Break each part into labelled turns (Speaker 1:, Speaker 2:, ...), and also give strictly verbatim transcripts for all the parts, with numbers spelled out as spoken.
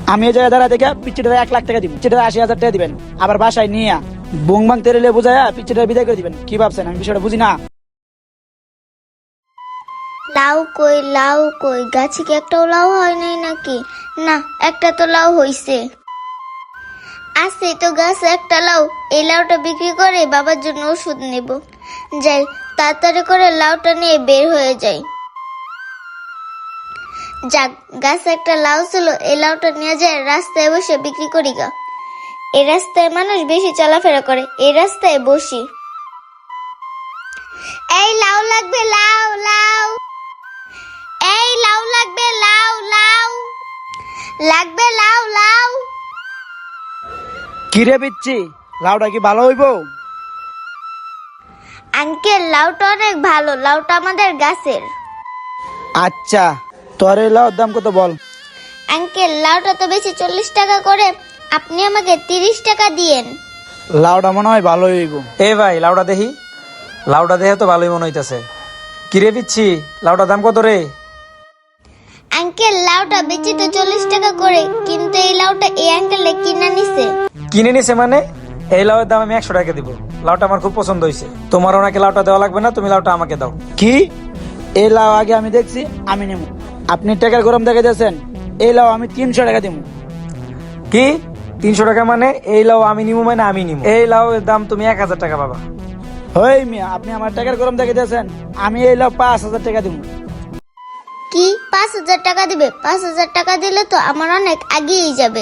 Speaker 1: আমি এই জায়গায় দাঁড়া দেখে পিচ্ছিটা এক লাখ টাকা দিব, পিচ্ছিটা আশি হাজার টাকা দিবেন, আবার বাসায় নিয়ে বুং বাং তেরেলে বুঝায়া পিচ্ছিটা বিদায় করে দিবেন। কি ভাবছেন আমি বিষয়টা বুঝি না?
Speaker 2: লাউ কই লাউ কই, গাছে কি একটাও লাউ হয় নাই নাকি? না, একটা তো লাউ হইছে। আছে তো গাছে একটা লাউ, এই লাউটা বিক্রি করে বাবার জন্য ওষুধ নেব। যাই তাড়াতাড়ি করে লাউটা নিয়ে বের হয়ে যাই। যাক, গাছে একটা লাউ ছিল, এই লাউটা নিয়ে যায় রাস্তায় বসে বিক্রি করি গা। এই রাস্তায় মানুষ বেশি চলাফেরা করে, এই রাস্তায় বসি। এই লাউ লাগবে, লাউ লাউ, এই লাউ লাগবে, লাউ লাউ লাগবে, লাউ লাউ।
Speaker 1: কি রে পিচ্ছি, লাউটা কি ভালো হইব?
Speaker 2: আঙ্কেল, লাউটা অনেক ভালো, লাউটা আমাদের গাছের।
Speaker 1: আচ্ছা, তোর এই লাউর দাম কত বল?
Speaker 2: আঙ্কেল, লাউটা তো বেশি চল্লিশ টাকা করে, আপনি আমাকে তিরিশ টাকা দিয়েন।
Speaker 1: লাউটা মনে হয় ভালো হইব।
Speaker 3: এ ভাই, লাউডা দেখি। লাউডা দেখে তো ভালোই মনে হইতাছে। কিরে পিচ্ছি, লাউডার দাম কত রে?
Speaker 2: আঙ্কেল, লাউটা বেশি তো চল্লিশ টাকা করে, কিন্তু এই লাউটা এই আঙ্কেলে কিনা নিছে।
Speaker 3: কিনে নিছে মানে? এই লাউয়ের দাম আমি একশো টাকা দিব। লাউটা আমার খুব পছন্দ হয়েছে। তোমার ওনাকে লাউটা দেওয়া লাগবে না, তুমি লাউটা আমাকে দাও।
Speaker 1: কি? এই লাউ আগে আমি দেখছি, আমি নেব। আপনি টাকার গরম দেখে দিয়েছেন, এই লাউ আমি তিনশো টাকা দিব।
Speaker 3: কি তিনশো টাকা মানে? এই লাউ আমি নিবো মানে আমি নিবো। এই লাউয়ের দাম তুমি এক হাজার টাকা পাবা।
Speaker 1: হই মিয়া, আপনি আমার টাকার গরম দেখে দিয়েছেন, আমি এই লাউ পাঁচ হাজার টাকা দিব।
Speaker 2: কি পাঁচ হাজার টাকা দিবে? পাঁচ হাজার টাকা দিলে তো আমার অনেক আগেই যাবে।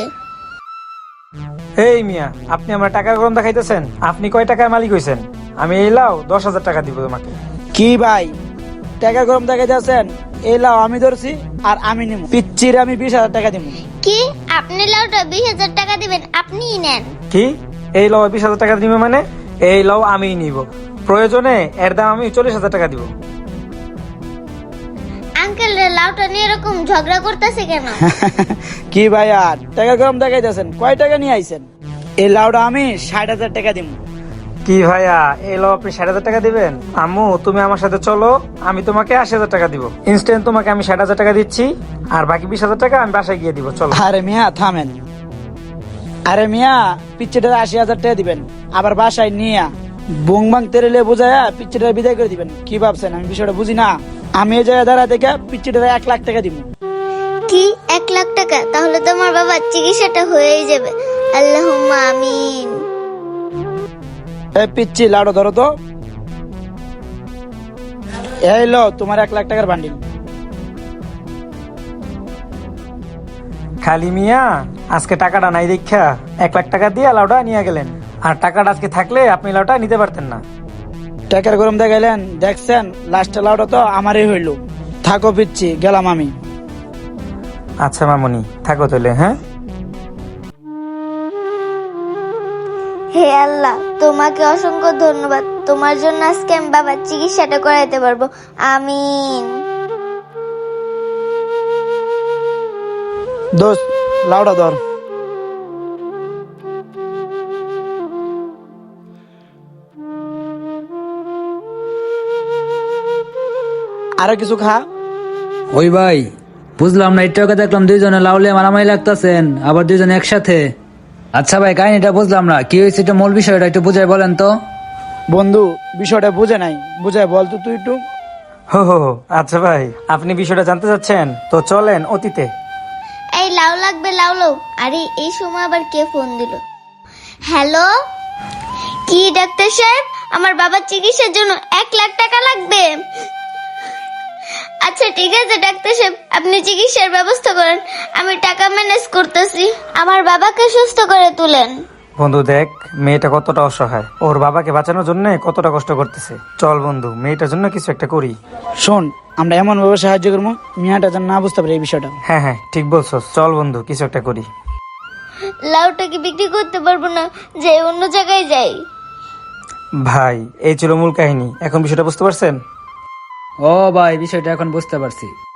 Speaker 3: এই মিয়া, আপনি আমার টাকার গরম দেখাইতেছেন? আপনি কয় টাকার মালিক হইছেন? আমি এই লাউ দশ হাজার টাকা দিব তোমাকে।
Speaker 1: কি ভাই, টাকার গরম দেখে দিয়েছেন, এই লাউ আমি ধরছি আর আমি নেব। পিচ্ছির আমি বিশ হাজার টাকা দিব।
Speaker 2: কি আপনি লাউটা বিশ হাজার টাকা দিবেন? আপনিই নেন।
Speaker 3: কি এই লাউ বিশ হাজার টাকা দিবে মানে? এই লাউ আমিই নিব, প্রয়োজনে এর দাম আমি চল্লিশ হাজার টাকা দিব।
Speaker 2: আঙ্কেল, লাউটা নিয়ে এরকম ঝগড়া করতেছে কেন?
Speaker 1: কি ভাই, আর টাকার গরম দেখাই দিয়েছেন, কয় টাকা নিয়ে আইছেন? এই লাউটা আমি ষাট হাজার টাকা দিব।
Speaker 3: কি ভাইয়া, এই লাউ আপনি ষাট হাজার টাকা দিবেন? আম্মু, তুমি আমার সাথে চলো, আমি তোমাকে আশি হাজার টাকা দিব। ইনস্ট্যান্ট তোমাকে আমি ষাট হাজার টাকা দিচ্ছি, আর বাকি বিশ হাজার টাকা আমি বাসায় গিয়ে দিব। চলো।
Speaker 1: আরে মিয়া থামেন, আরে মিয়া পিচ্ছিটার আশি হাজার টাকা দিবেন, আবার বাসায় নিয়ে বুং বাং তেরেলে বুঝায়া পিচ্ছিটার বিদায় করে দিবেন। কি ভাবছেন আমি বিষয়টা বুঝি না? আমি এই জায়গায় দাঁড়া দেখে পিচ্ছিটার এক লাখ টাকা দিব।
Speaker 2: কি এক লাখ টাকা? তাহলে তো আমার বাবার চিকিৎসাটা হয়েই যাবে। আল্লাহুম্মা আমিন।
Speaker 1: এই পিচ্ছি, লাউটা ধরো তো। এই লো তোমার এক লাখ টাকার বান্ডিল।
Speaker 3: খালি মিয়া, আজকে টাকাটা নাই দেখা এক লাখ টাকা দিয়ে লাউটা নিয়ে গেলেন, আর টাকাটা আজকে থাকলে আপনি লাউটা নিতে পারতেন না।
Speaker 1: টাকার গরম দেখাইলেন, দেখছেন লাস্টে লাউটা তো আমারই হইল। থাকো পিচ্ছি, গেলাম আমি।
Speaker 3: আচ্ছা মামুনি, থাকো তাহলে। হ্যাঁ,
Speaker 2: হে আল্লাহ, তোমাকে অসংখ্য ধন্যবাদ। তোমার জন্য আজকে আমি বাবার চিকিৎসাটা করাইতে পারবো। আমিন।
Speaker 1: দোস্ত, লাউটা ধর। আরো কিছু খা।
Speaker 4: ওই ভাই, বুঝলাম না, একটু আগে দেখলাম দুইজনে লাউলে মারামারি লাগতেছেন, আবার দুইজনে একসাথে। আচ্ছা ভাই, কাহিনীটা বুঝলাম না, কি হয়েছে এটা মূল বিষয়টা একটু বুঝাই বলেন তো।
Speaker 1: বন্ধু, বিষয়টা বুঝে নাই, বুঝাই বল তো তুই একটু।
Speaker 3: হো হো হো, আচ্ছা ভাই, আপনি বিষয়টা জানতে চাচ্ছেন, তো চলেন অতীতে।
Speaker 2: এই লাউ লাগবে, লাউ লাউ। আরে এই সময় আবার কে ফোন দিল? হ্যালো, কি ডাক্তার সাহেব? আমার বাবার চিকিৎসার জন্য এক লাখ টাকা লাগবে। আচ্ছা ঠিক আছে ডাক্তার সাহেব, আপনি চিকিৎসার ব্যবস্থা করেন, আমি টাকা ম্যানেজ করতেছি। আমার বাবাকে সুস্থ করে তুলেন।
Speaker 3: বন্ধু দেখ, মেয়েটা কতটা অসহায়, ওর বাবাকে বাঁচানোর জন্য কতটা কষ্ট করতেছে। চল বন্ধু, মেয়েটার জন্য কিছু একটা করি।
Speaker 1: শোন, আমরা এমন ভাবে সাহায্য করবো মিয়াটা যেন না বুঝতে পারে এই বিষয়টা।
Speaker 3: হ্যাঁ হ্যাঁ, ঠিক বলছো। চল বন্ধু, কিছু একটা করি।
Speaker 2: লাউটা কি বিক্রি করতে পারবো না, যে অন্য জায়গায় যাই?
Speaker 3: ভাই, এই ছিল মূল কাহিনী। এখন বিষয়টা বুঝতে পারছেন?
Speaker 4: ও ভাই, বিষয়টা এখন বুঝতে পারছি।